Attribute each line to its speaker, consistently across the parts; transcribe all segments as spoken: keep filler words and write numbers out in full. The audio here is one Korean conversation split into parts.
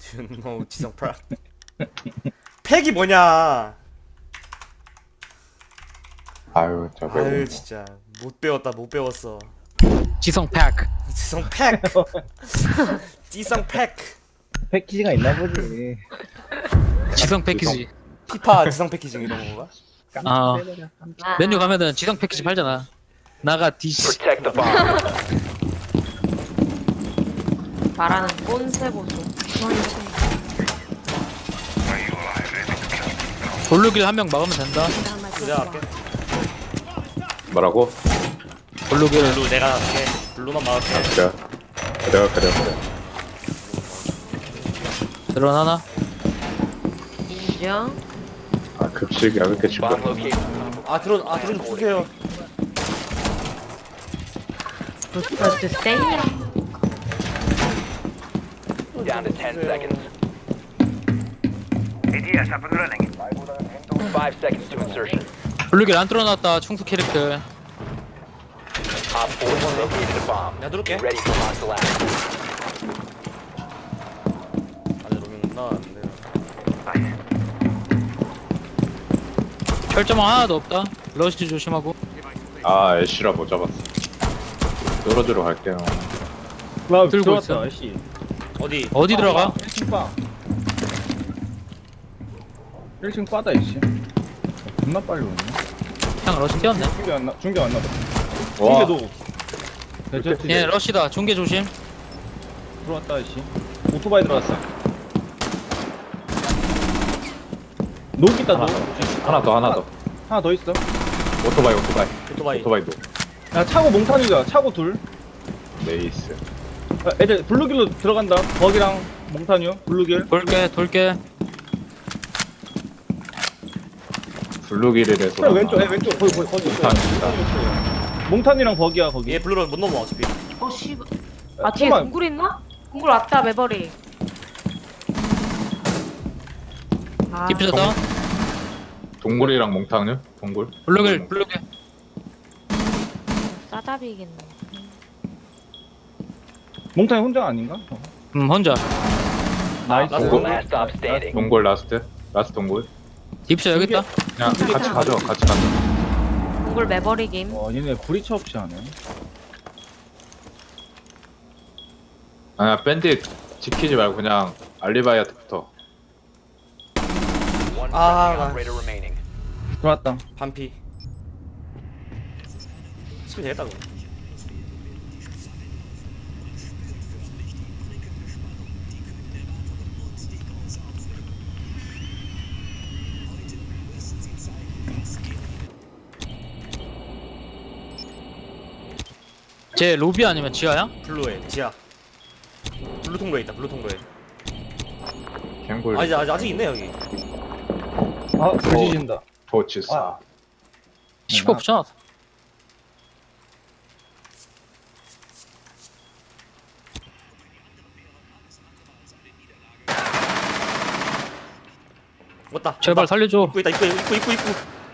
Speaker 1: You know 지성 프라. 팩이 뭐냐?
Speaker 2: 아유 저
Speaker 1: 아유
Speaker 2: 배우
Speaker 1: 진짜 못 배웠다 못 배웠어.
Speaker 3: 지성 팩.
Speaker 1: 지성 팩. 지성 팩.
Speaker 4: 패키지가 있나 보지.
Speaker 3: 지성 패키지.
Speaker 1: 피파 지성 패키징 이런 건가?
Speaker 3: 아
Speaker 5: 아,
Speaker 3: 메뉴 가면은 지성 패키지 팔잖아. 나가 디씨.
Speaker 6: Protect the bomb.
Speaker 5: 말하는 꼰세 보소.
Speaker 3: 돌루길 한 명 막으면 된다.
Speaker 1: 내가 할게.
Speaker 2: 뭐라고?
Speaker 3: 돌루길.
Speaker 1: 블루 내가 할게. 블루만 막을게.
Speaker 2: 그래 그래 그래 그래
Speaker 3: 드론 하나.
Speaker 5: 인정.
Speaker 2: 아 급식이야 왜 이렇게
Speaker 6: Bomb
Speaker 2: 시끄러
Speaker 6: location.
Speaker 1: 아 드론 아 드론 주세요.
Speaker 5: 부스터즈 세이.
Speaker 6: Down to ten seconds. Five seconds to insertion.
Speaker 3: 돌루길 안 뚫어놨다. 충수 캐릭터.
Speaker 6: Op four has located a bomb.
Speaker 1: 내가 누를게.
Speaker 6: Ready for hostile action.
Speaker 1: 안에 놓으면 나왔는데.
Speaker 3: 철조망 하나도 없다. 러시 조심하고.
Speaker 2: 아 애쉬라 못 잡았어 떨어지러 갈게요
Speaker 4: 와
Speaker 3: 들고
Speaker 4: 들어왔다
Speaker 3: 있어.
Speaker 4: 아씨.
Speaker 1: 어디?
Speaker 3: 어디 들어가?
Speaker 4: 일 층 빠. 일 층 빠다 이씨. 겁나 빨리 오네.
Speaker 3: 그냥 러시 뛰었네.
Speaker 4: 중계 안 나, 중계 안 나다.
Speaker 2: 와
Speaker 4: 중계 노. 대저트
Speaker 3: 얘 러시다. 중계 조심.
Speaker 4: 들어왔다 이씨. 오토바이 들어왔어. 녹 있다 녹.
Speaker 2: 하나 더 하나 더
Speaker 4: 하나 더 있어.
Speaker 2: 오토바이 오토바이
Speaker 1: 오토바이.
Speaker 2: 오토바이도
Speaker 4: 야 차고 몽타뉴다. 차고 둘.
Speaker 2: 네이스
Speaker 4: 야, 애들 블루길로 들어간다. 버기랑 몽타뉴 블루길.
Speaker 3: 돌게 돌게.
Speaker 2: 블루길이래서
Speaker 4: 그래 왼쪽 애 왼쪽 거기 거기 거기 있어.
Speaker 2: 몽타뉴다.
Speaker 4: 몽타뉴랑 버기야 거기.
Speaker 1: 얘 블루로 못 넘어 어차피.
Speaker 5: 어 씨. 아 뒤에
Speaker 4: 잠깐만.
Speaker 5: 동굴 있나? 동굴 왔다 매버리. 아,
Speaker 3: 디퓨저다.
Speaker 2: 동굴이랑 몽타뉴? 동굴?
Speaker 3: 블루길 블루길.
Speaker 5: 싸잡이겠네.
Speaker 4: 몽타뉴 혼자 아닌가? 어.
Speaker 3: 음 혼자.
Speaker 4: 나이스.
Speaker 1: 나이스.
Speaker 6: Four last stop standing.
Speaker 2: 동굴 라스트? 라스트 동굴?
Speaker 3: 디퓨저 여기 있다.
Speaker 2: 그냥 같이 가죠 같이 가죠
Speaker 5: 동굴 매버리 김.
Speaker 4: 와 얘네 브리처 없이 하네.
Speaker 2: 아니야 밴드 지키지 말고 그냥 알리바이아트부터
Speaker 6: One
Speaker 1: Ah,
Speaker 6: friendly
Speaker 1: nice.
Speaker 6: operator remaining.
Speaker 4: 들어왔다.
Speaker 1: 반피. 치면 되겠다 그거.
Speaker 3: 쟤 로비 아니면 지하야?
Speaker 1: 블루에 지하. 블루 통로에 있다. 블루 통로에.
Speaker 2: 갱골
Speaker 1: 아직 아직 아직 있네 여기.
Speaker 4: 아 부지진다.
Speaker 2: 토치사
Speaker 4: 아.
Speaker 3: 십오 붙여놨어.
Speaker 1: 왔다.
Speaker 3: 제발
Speaker 1: 왔다.
Speaker 3: 살려줘.
Speaker 1: 입구 있다. 입구 입구 입구 입구.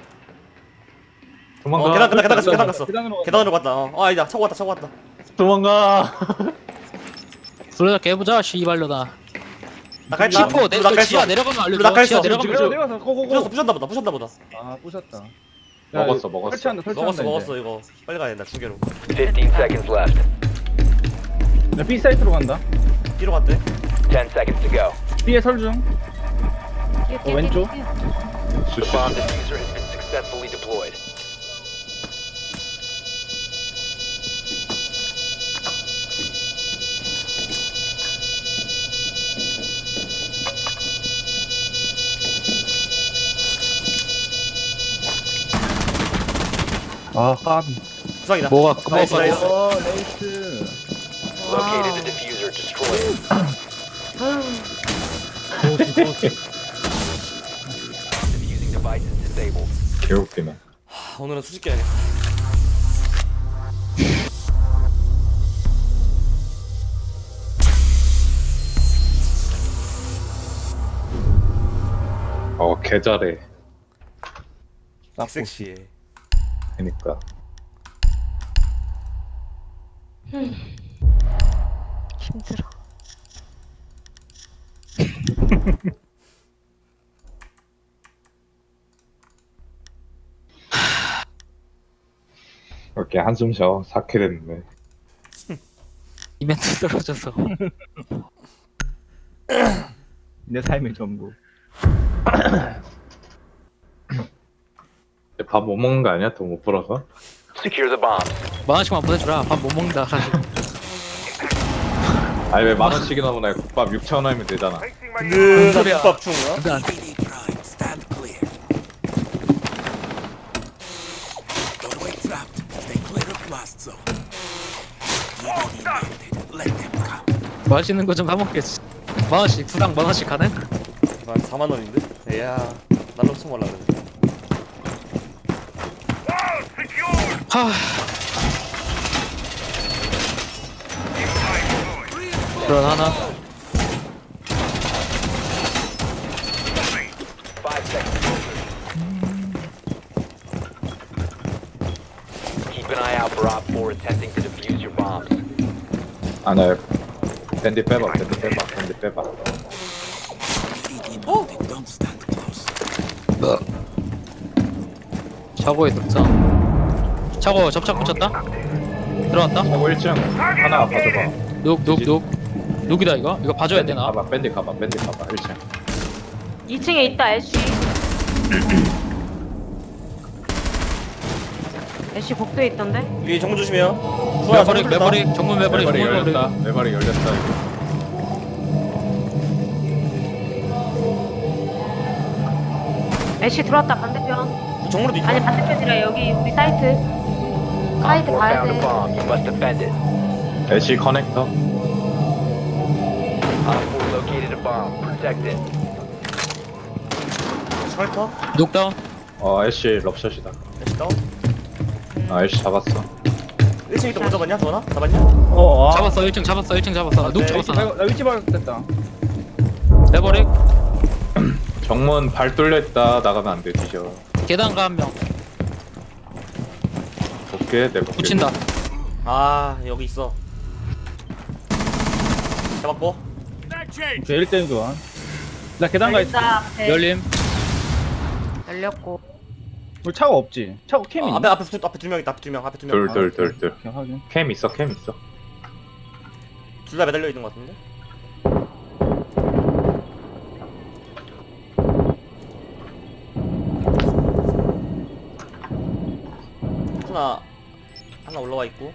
Speaker 2: 도망가
Speaker 1: 어, 계단 계단 계단 갔어. 계단 갔어.
Speaker 4: 계단으로 갔다.
Speaker 1: 계단으로 갔다. 어, 아 아니다. 차고 왔다. 차고 왔다.
Speaker 2: 도망가
Speaker 3: 둘다 깨보자. 씨발려다.
Speaker 1: 나가
Speaker 3: 십오 내
Speaker 1: 나가
Speaker 3: 지하
Speaker 1: 있어.
Speaker 3: 내려가면
Speaker 1: 블루 나가
Speaker 3: 알려줘.
Speaker 1: 있어.
Speaker 3: 지하
Speaker 1: 블루
Speaker 3: 내려가면
Speaker 1: 지금
Speaker 4: 내려
Speaker 3: 알려줘.
Speaker 4: 내려가서 고고고.
Speaker 1: 부셨다. 부셨나 보다. 부셨나 보다.
Speaker 4: 아 부셨다.
Speaker 2: 먹었어, 먹었어.
Speaker 4: 설치한다 설치한다.
Speaker 1: 먹었어
Speaker 4: 이제.
Speaker 1: 먹었어 이거. 빨리 가야 된다. 중계로.
Speaker 6: Fifteen seconds left.
Speaker 4: 야, B 사이트로 간다.
Speaker 1: B로 갔대.
Speaker 6: Ten seconds to go.
Speaker 4: B에 설중.
Speaker 5: 뛰어, 뛰어,
Speaker 4: 어, 왼쪽.
Speaker 5: 뛰어, 뛰어.
Speaker 6: The
Speaker 2: 수시
Speaker 6: bomb diffuser has been successfully deployed.
Speaker 4: 아 까비.
Speaker 1: 부상이다.
Speaker 3: 뭐가
Speaker 1: 나이스
Speaker 3: 뭐가
Speaker 1: 나이스.
Speaker 4: 어 레이스.
Speaker 6: Located the diffuser. Destroy it. Diffusing device is disabled.
Speaker 2: 개웃기네
Speaker 1: 하, 오늘은 수직 해야겠다.
Speaker 2: 어 개잘해
Speaker 1: 섹시해.
Speaker 2: 그니까
Speaker 5: 힘들어.
Speaker 2: 이렇게 한숨 쉬어. 사 킬 됐는데.
Speaker 3: 이벤트 떨어져서.
Speaker 4: 내 삶의 전부.
Speaker 2: 밥 못 먹는 거 아니야? 돈 못 벌어서?
Speaker 6: Secure the bombs.
Speaker 3: 만 원씩만 보내주라. 밥 못 먹는다. 사실.
Speaker 2: 아니 왜 만 원씩이나 보내? 국밥 육천 원이면 되잖아.
Speaker 1: 든든한
Speaker 3: 소리야.
Speaker 1: 국밥 중가?
Speaker 3: 근데 안-
Speaker 7: Doorway trapped. Stay clear of blast zone. T V D mounted. Let them come.
Speaker 3: 맛있는 거 좀 사먹겠지. 만 원씩 수당 만 원씩 가능?
Speaker 1: 한 사만 원인데? 이야 날로 숨어라 그래.
Speaker 3: 하. 그런 하나.
Speaker 6: Five seconds. Keep an eye out for Op four attempting to defuse your bombs.
Speaker 2: 아나 밴디 빼봐. 밴디 빼봐. 밴디 빼봐.
Speaker 7: T V D mounted. Don't stand close.
Speaker 3: 차고에 득점. 차고 접착 붙였다. 들어갔다.
Speaker 2: 어 일 층 하나 봐줘봐.
Speaker 3: 눅눅눅. 눅이다 이거. 이거 봐줘야 되나?
Speaker 2: 가봐. 밴디 가봐. 밴디 가봐. 일 층.
Speaker 5: 이 층에 있다 애쉬. 애쉬 복도에 있던데?
Speaker 1: 위에 정문 조심해요. 수아,
Speaker 3: 매버릭
Speaker 1: 정문 뚫렸다.
Speaker 3: 매버릭 정문 매버릭
Speaker 2: 매발이
Speaker 3: 정문
Speaker 2: 열렸다.
Speaker 3: 매버릭.
Speaker 2: 매발이 열렸다. 이거.
Speaker 5: 애쉬 들어왔다 반대편.
Speaker 1: 정문에도 있다.
Speaker 5: 아니 반대편이라 여기 우리 사이트.
Speaker 6: Op
Speaker 5: 사이트
Speaker 6: four
Speaker 5: 가야
Speaker 6: found a
Speaker 5: 돼.
Speaker 6: bomb. You must defend it.
Speaker 2: 애쉬 커넥터.
Speaker 6: Op four located a bomb. Protect it.
Speaker 1: 설터?
Speaker 3: 눅다운.
Speaker 2: 어 애쉬 럽샷이다.
Speaker 1: 애쉬 다운?
Speaker 2: 아 애쉬 잡았어.
Speaker 1: 일 층 있다 못 잡았냐? 도나? 잡았냐?
Speaker 4: 어, 아.
Speaker 3: 잡았어 일 층 잡았어 일 층 잡았어. 눅
Speaker 1: 네,
Speaker 3: 잡았어.
Speaker 4: 나,
Speaker 3: 나.
Speaker 4: 나 위치 발각됐다.
Speaker 3: 매버릭.
Speaker 2: 정문 발 뚫려 있다. 나가면 안 돼. 뒤져.
Speaker 3: 계단가 한 명.
Speaker 2: 볼게. 내 볼게.
Speaker 3: 붙인다.
Speaker 1: 아 여기 있어. 잡았고.
Speaker 4: 저 일 대 일 교환. 나 계단 가 있어.
Speaker 5: 열린다, 앞에.
Speaker 3: 열림.
Speaker 5: 열렸고.
Speaker 4: 우리 차가 없지. 차가 캠이
Speaker 1: 어,
Speaker 4: 있나?
Speaker 1: 앞에 앞에 두, 앞에 두 명 있다. 앞에 두 명. 앞에 두 명.
Speaker 2: 둘, 둘, 둘, 둘.
Speaker 4: 오케이, 확인.
Speaker 2: 캠 있어. 캠 있어.
Speaker 1: 둘 다 매달려 있는 것 같은데. 하나 하나 올라와 있고.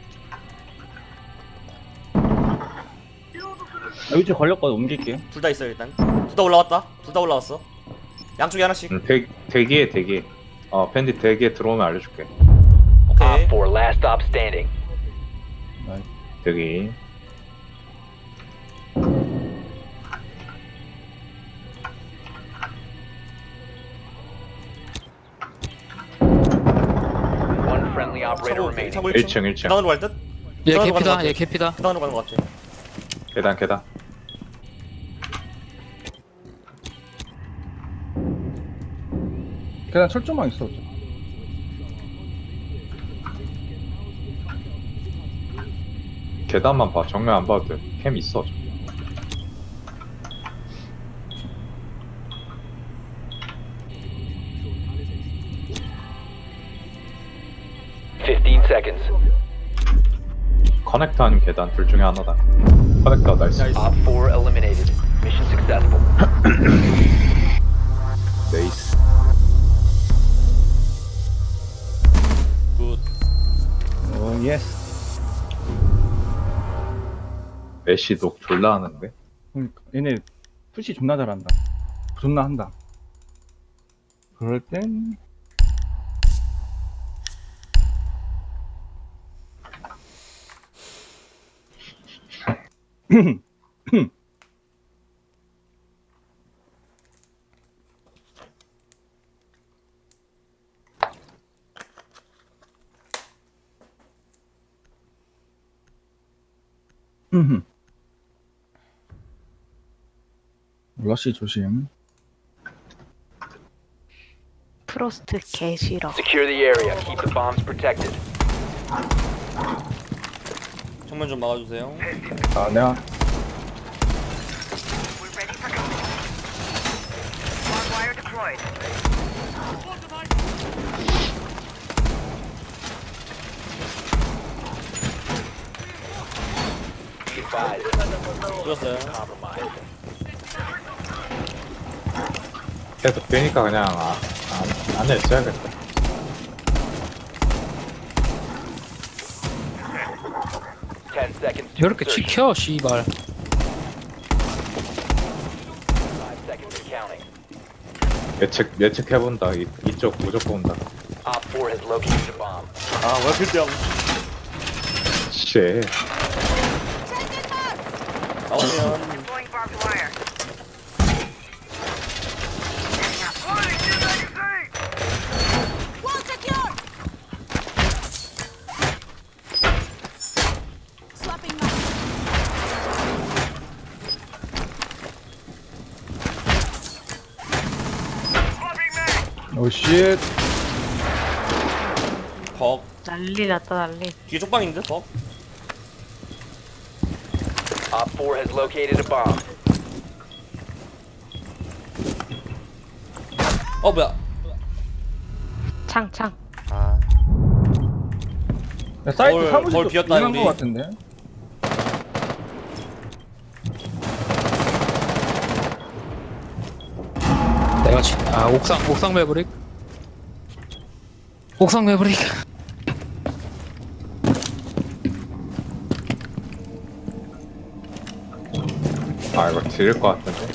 Speaker 4: 나 위치 걸렸거든. 옮길게.
Speaker 1: 둘 다 있어 일단. 둘 다 올라왔다. 둘 다 올라왔어. 양쪽에 하나씩.
Speaker 2: 응, 대, 대기에 대기. 어 밴디 대기에 들어오면 알려줄게.
Speaker 1: 오케이.
Speaker 6: Op four last stop standing.
Speaker 2: 대기.
Speaker 6: One friendly operator
Speaker 1: 차고
Speaker 6: remaining.
Speaker 1: 차고
Speaker 2: 일 층 일 층.
Speaker 1: 계단으로 갈 듯?
Speaker 3: 얘
Speaker 1: 계단으로 가는 것
Speaker 3: 개피다
Speaker 1: 같아.
Speaker 3: 얘 개피다.
Speaker 1: 계단으로 가는 것 같아.
Speaker 2: 계단 계단.
Speaker 4: 계단 철조망 있어.
Speaker 2: 계단만 봐. 정면 안 봐도 돼. 캠 있어. 저기.
Speaker 6: Fifteen seconds.
Speaker 2: 커넥터 아니면 계단 둘 중에 하나다. 커넥터 나이스.
Speaker 6: Op four eliminated. Mission successful.
Speaker 2: 네이스.
Speaker 1: 굿.
Speaker 4: 오, 예스.
Speaker 2: 애쉬 녹 졸라 하는데.
Speaker 4: 그러니까 얘네 푸시 존나 잘한다. 존나 한다. 그럴 땐 러시 조심.
Speaker 5: 프로스트 개 싫어.
Speaker 6: Secure the area. Keep the bombs protected.
Speaker 1: 정면 좀 막아주세요.
Speaker 4: 아, 내가
Speaker 8: We're ready for combat.
Speaker 1: 뚫었어요.
Speaker 6: Compromised.
Speaker 2: 계속 뛰니까 그냥 아, 안, 안에 있어야겠다.
Speaker 6: Ten seconds to
Speaker 3: 이렇게
Speaker 6: insertion.
Speaker 3: 지켜 씨발.
Speaker 6: Five seconds and counting.
Speaker 2: 예측 예측해본다. 이, 이쪽 무조건 온다.
Speaker 6: Op four has located a bomb.
Speaker 1: 아왜 필드하고
Speaker 2: 씨.
Speaker 1: 나오면
Speaker 4: 오쉣.
Speaker 1: 벅
Speaker 5: 난리 났다 난리.
Speaker 1: 뒤에 쪽방인데 벅.
Speaker 6: Op four has located a bomb.
Speaker 1: 어 뭐야?
Speaker 5: 창창.
Speaker 1: 아
Speaker 4: 야, 사이트
Speaker 1: 거울,
Speaker 4: 사무실
Speaker 1: 거울 비었다,
Speaker 4: 거
Speaker 1: 우리.
Speaker 4: 같은데.
Speaker 3: 내가 치. 아 옥상 옥상 매브릭. 옥상 매브릭.
Speaker 2: 아 이거 드릴 것 같은데.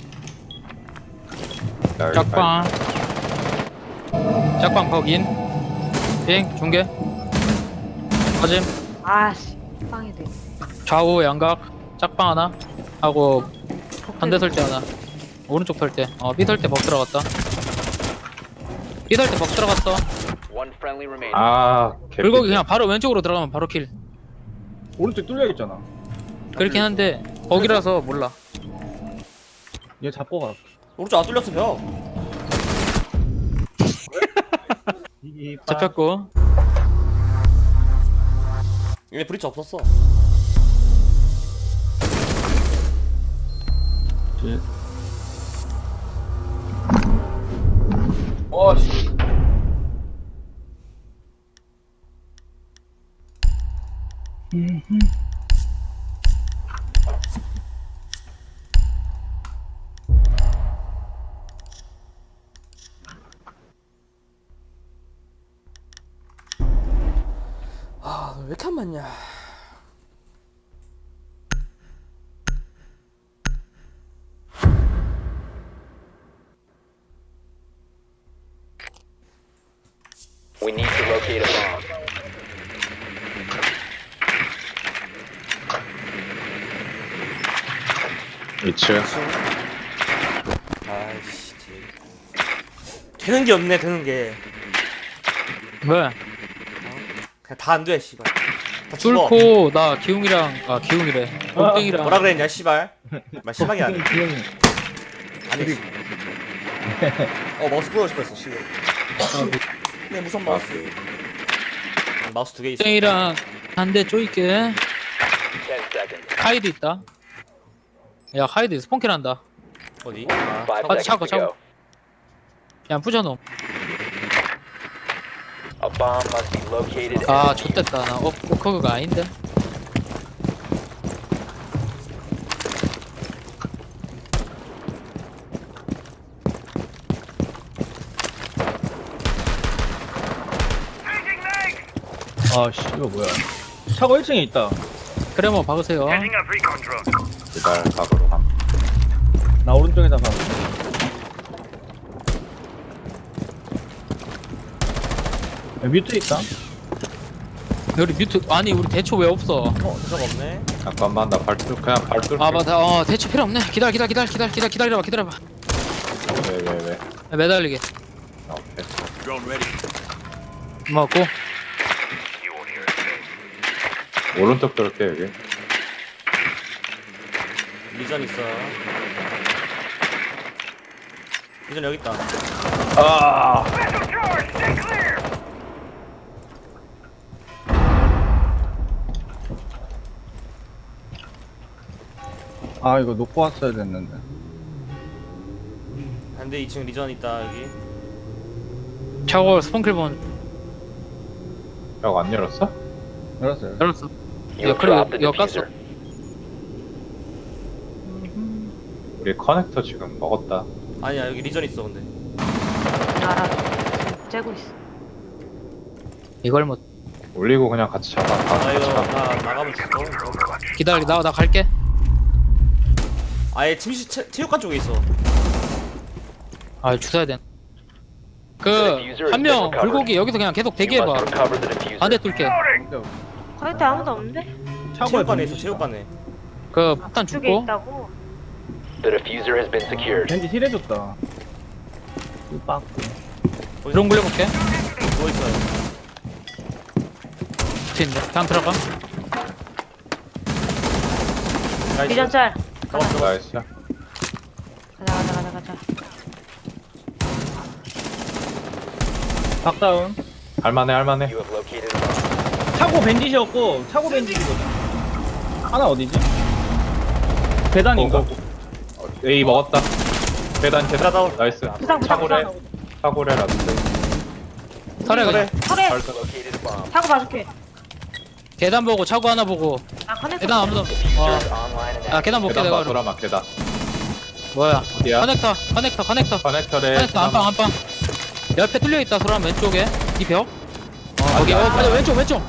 Speaker 2: 자, 여기
Speaker 3: 짝방. 짝방 거긴. 비행 중계. 빠짐.
Speaker 5: 아씨 빵이 돼.
Speaker 3: 좌우 양각. 짝방 하나. 하고 반대 설대 하나. 오른쪽 설대. 어 B 설대 벅 들어갔다. B 설대 벅 들어갔어.
Speaker 6: One friendly remaining.
Speaker 2: 아 개피.
Speaker 3: 불고기 그냥 바로 왼쪽으로 들어가면 바로 킬.
Speaker 4: 오른쪽 뚫려 있잖아.
Speaker 3: 그렇긴 한데 거기라서 몰라.
Speaker 4: 얘 잡고 가.
Speaker 1: 오른쪽 안 뚫렸어 벽.
Speaker 4: 이
Speaker 3: 잡혔고.
Speaker 1: 얘네 브리치 없었어. 아, 너 왜 이렇게 안 맞냐?
Speaker 6: We need to locate a bomb.
Speaker 2: 이층.
Speaker 1: 아이씨, 되는 게 없네, 되는 게.
Speaker 3: 왜?
Speaker 1: 그냥 다 안 돼, 씨발. 다 죽어.
Speaker 3: 뚫고 나 기웅이랑 아 기웅이래. 골땡이랑
Speaker 1: 뭐라 그랬냐, 씨발. 말 심하게 하네.
Speaker 4: 기영이.
Speaker 1: 아니. 씨. 어, 마우스 부러고 싶었어, 씨발. 네, 무선 마우스. 마우스 두 개 있어.
Speaker 3: 골땡이랑 반대 쪼이게.
Speaker 6: Ten seconds.
Speaker 3: 하이드 있다. 야 하이드 스폰킬 한다.
Speaker 1: 어디? 아,
Speaker 6: Five
Speaker 3: 아,
Speaker 6: seconds
Speaker 3: 차고,
Speaker 6: to go.
Speaker 3: 그냥 부셔놓음.
Speaker 6: A bomb must be located.
Speaker 3: 아
Speaker 6: and defused.
Speaker 3: 좆됐다. 나 어, 오커그가 아닌데.
Speaker 4: 아씨 이거 뭐야? 차고 일 층에 있다.
Speaker 3: 그래 뭐 박으세요.
Speaker 2: 기다려 각으로 함.
Speaker 4: 나 오른쪽에다가. 야, 뮤트 있다.
Speaker 3: 우리 뮤트 아니 우리 대초 왜 없어?
Speaker 1: 어, 대사가 없네.
Speaker 2: 잠깐만 나 발뚫 그냥 발뚫.
Speaker 3: 아 맞다. 어 대초 필요 없네. 기다려 기다려 기다려 기다려 기다려 기다려봐 기다려봐.
Speaker 2: 왜왜 왜, 왜.
Speaker 3: 야, 매달리게.
Speaker 2: 아, 오케이.
Speaker 7: Drone ready.
Speaker 3: 먹고.
Speaker 2: 오른쪽 들을게 여기.
Speaker 1: 리전 있어. 리전 여기 있다.
Speaker 2: 아.
Speaker 4: 아 이거 놓고 왔어야 됐는데.
Speaker 1: 반대 이 층 리전 있다, 여기.
Speaker 3: 차고 스폰킬 본
Speaker 2: 벽 안 열었어?
Speaker 4: 열었어요.
Speaker 3: 열었어.
Speaker 6: You
Speaker 3: 야 그래
Speaker 6: dropped the
Speaker 3: 이거 깠어.
Speaker 6: diffuser.
Speaker 2: 우리 커넥터 지금 먹었다.
Speaker 1: 아니야 여기 리전 있어 근데.
Speaker 5: 알아. 지금 째고 있어.
Speaker 3: 이걸 못
Speaker 2: 올리고 그냥 같이 잡아. 다
Speaker 1: 아
Speaker 2: 같이
Speaker 1: 이거
Speaker 2: 가.
Speaker 1: 나 나가면 죽어.
Speaker 3: 기다려. 나 나 갈게.
Speaker 1: 아예 침실 체, 체육관 쪽에 있어.
Speaker 3: 아 주워야 돼. 그 한 명 불고기 여기서 그냥 계속
Speaker 6: You
Speaker 3: 대기해봐.
Speaker 6: must recover the diffuser.
Speaker 3: 반대 뚫게.
Speaker 5: 거기 아무도 없는데?
Speaker 4: 차고에
Speaker 1: 체육관에
Speaker 4: 벤지.
Speaker 1: 있어 체육관에.
Speaker 3: 그 폭탄
Speaker 5: 쪽에
Speaker 3: 죽고.
Speaker 5: 있다고?
Speaker 6: The diffuser has been secured.
Speaker 4: 벤지 힐해줬다. 빡.
Speaker 3: 드론 굴려볼게.
Speaker 1: 누워 있어요.
Speaker 3: 붙어있는데. 그냥 들어가.
Speaker 1: 나이스.
Speaker 5: 리전 짤.
Speaker 1: 잡았어.
Speaker 2: 나이스.
Speaker 5: 가자 가자 가자 가자.
Speaker 4: 박다운.
Speaker 2: 할만해 할만해.
Speaker 6: You have located a bomb.
Speaker 4: 차고 벤지셨고 차고 벤지거든. 하나 어디지? 계단인가?
Speaker 2: 어, 어, A 먹었다. 계단
Speaker 1: 나
Speaker 2: 계단.
Speaker 1: 다운.
Speaker 2: 나이스.
Speaker 5: 부상 부상
Speaker 2: 차고래
Speaker 5: 부상.
Speaker 2: 차고래 라스트.
Speaker 3: 설해 그냥.
Speaker 5: 설에
Speaker 2: 벌써
Speaker 6: Located a bomb.
Speaker 5: 차고 봐줄게.
Speaker 3: 계단 보고 차고 하나 보고.
Speaker 5: 아 커넥터.
Speaker 3: 계단 아무도.
Speaker 6: Diffuser
Speaker 3: 와.
Speaker 6: is online and
Speaker 3: 아
Speaker 6: active.
Speaker 3: 계단 볼게
Speaker 2: 계단
Speaker 3: 내가.
Speaker 2: 봐
Speaker 3: 그럼.
Speaker 2: 돌아마 계단.
Speaker 3: 뭐야?
Speaker 2: 어디야?
Speaker 3: 커넥터 커넥터 커넥터.
Speaker 2: 커넥터래.
Speaker 3: 커넥터 안방 안방. 옆에 뚫려 있다. 소람 왼쪽에. 이 벽. 어 거기. 어 맞아 왼쪽 왼쪽.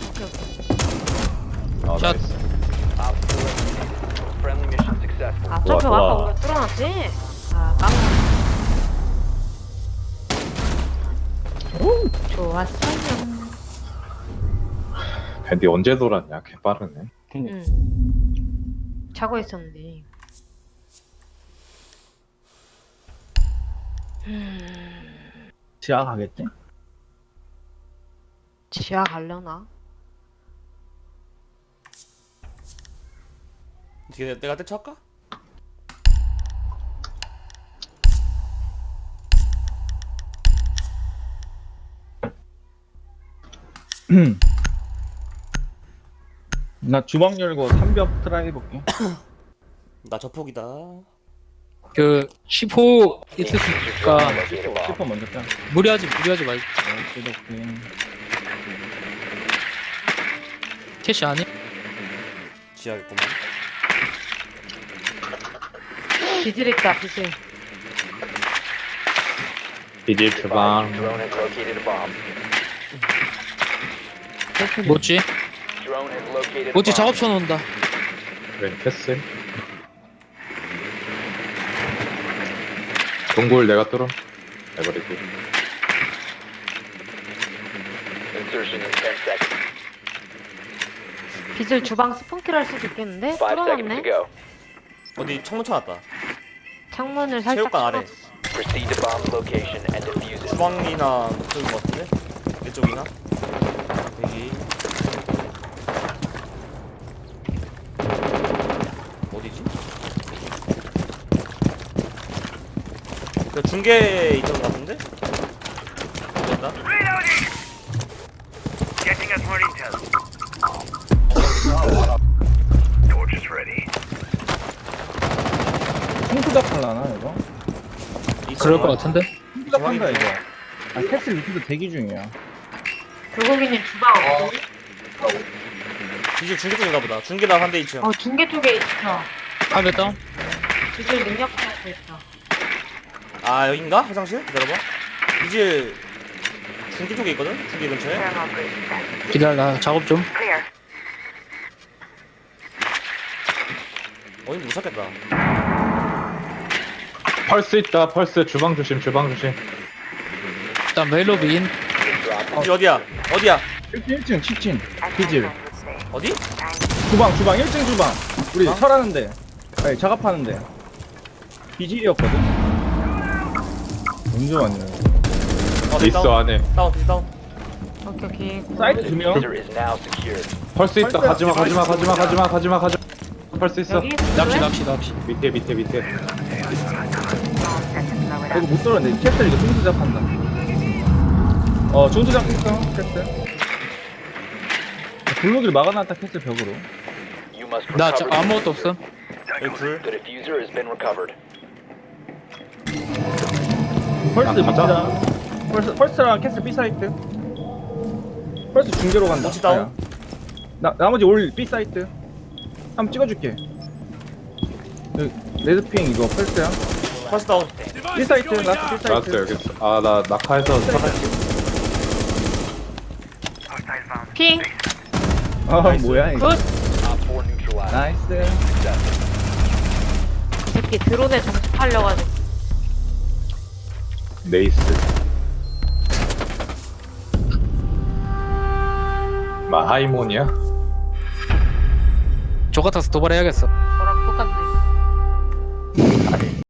Speaker 2: 어,
Speaker 3: 샷.
Speaker 2: 나이스.
Speaker 6: Op four eliminated. Friendly mission successful.
Speaker 5: 아 점프
Speaker 2: 좋아,
Speaker 5: 아까
Speaker 2: 좋아.
Speaker 5: 우리가 뚫어놨지? 아 까먹었네. 좋았어요.
Speaker 2: 밴디 언제 돌았냐? 개 빠르네.
Speaker 5: 응. 자고 있었는데.
Speaker 4: 지하 가겠지?
Speaker 5: 지하 가려나?
Speaker 1: 어떻게 내가 대처할까?
Speaker 4: 나 주방 열고 삼벽 트라이 해볼게.
Speaker 1: 나 저폭이다.
Speaker 3: 그 십호 있으니까
Speaker 6: Locate a bomb.
Speaker 4: 슈퍼 먼저 짜.
Speaker 3: 무리하지 무리하지 말고.
Speaker 4: 오케이 오케이.
Speaker 3: 캐시 아니?
Speaker 1: 지하겠구만.
Speaker 5: 비질 있다 비질.
Speaker 2: 비질
Speaker 6: Advise
Speaker 2: 주방.
Speaker 6: your drone has located a bomb.
Speaker 3: 뭐지?
Speaker 6: Drone has located a
Speaker 3: 뭐지
Speaker 6: bomb.
Speaker 3: 작업 쳐놓는다.
Speaker 2: 웬 캐슬. 동굴 내가 뚫어. 해버리고.
Speaker 6: Insertion in ten seconds.
Speaker 5: 비질 주방 스폰킬 할 수도 있겠는데?
Speaker 6: Five seconds to
Speaker 5: 뚫어놨네?
Speaker 6: go.
Speaker 1: 어디 창문 쳐놨다.
Speaker 5: 창문을 살짝
Speaker 1: 체육관 아래.
Speaker 5: 뚫었어.
Speaker 6: Proceed to bomb's location and defuse it.
Speaker 1: 주방이나 그쪽인 것 같은데? 이쪽이나? 여기. 어디지? 그 중계에 있던 것 같은데? 됐다.
Speaker 4: 총투작 할라나 이거?
Speaker 3: 그럴 것 같은데?
Speaker 4: 총투작 한다 이거. 아 캐슬 리피도 대기 중이야.
Speaker 5: 불고기님 주방 없거든?
Speaker 1: 이제 중계 쪽인가 보다. 중계랑 한대 있죠.
Speaker 5: 어 중계 쪽에 있어.
Speaker 3: 하베 다운.
Speaker 5: 비질 능력 갖고 있어.
Speaker 1: 아 여긴가? 화장실? 기다려봐. 이제 중계 쪽에 있거든? 중계 근처에.
Speaker 3: 기다려 나 작업 좀.
Speaker 1: 어딘지 못 찾겠다.
Speaker 2: 펄스 있다. 펄스 주방 조심. 주방 조심.
Speaker 3: 일단 멜로비 인.
Speaker 1: 이제 어디야? 어디야?
Speaker 4: 일 층 kitchen 비질.
Speaker 1: 어디?
Speaker 4: 주방 주방 일 층 주방. 우리 설하는데. 아니 작업하는데. 비질이었거든. 언제 왔냐?
Speaker 1: 어, 네,
Speaker 2: 있어
Speaker 1: 다운.
Speaker 2: 안에.
Speaker 1: 다운, 네, 다운.
Speaker 5: 오케이 오케이.
Speaker 4: 사이트
Speaker 6: The
Speaker 4: 두 명.
Speaker 6: diffuser is now secured.
Speaker 2: 펄스 있다.
Speaker 4: 펄스.
Speaker 2: 가지마 가지마 가지마 가지마 가지마 가지마. 펄스 있어.
Speaker 5: 여기
Speaker 3: 납치 납치 납치.
Speaker 2: 밑에 밑에 밑에.
Speaker 4: 이거 못 들었는데 캐슬 이거 총투작 한다. 어 총투작 했어 캐슬. 블록을 막아놨다 캐슬 벽으로.
Speaker 6: You must
Speaker 3: 나
Speaker 6: recover
Speaker 3: 저,
Speaker 6: the
Speaker 3: 아무것도
Speaker 6: diffuser.
Speaker 3: 없음.
Speaker 1: 여기 불.
Speaker 6: The diffuser has been recovered.
Speaker 4: 펄스
Speaker 2: 아, 가자.
Speaker 4: 밑이다. 펄스 펄스랑 캐슬 B 사이트. 펄스 중계로 간다.
Speaker 1: 혹시 다운?
Speaker 4: 아야. 나 나머지 올 B 사이트. 한번 찍어줄게. 여기 레드핑 이거 펄스야.
Speaker 1: 파스 다운.
Speaker 4: 일 사이트 라스트 일 사이트.
Speaker 2: 라스트 여기 있어. 아 나 낙하해서 살았지.
Speaker 5: 핑.
Speaker 4: 아 뭐야 이거.
Speaker 5: 굿.
Speaker 6: Op four neutralized.
Speaker 4: 나이스.
Speaker 5: 이 새끼 드론에 정집하려가지고.
Speaker 2: 네이스. 마 하이몬이야?
Speaker 3: 저 같아서 도발해야겠어.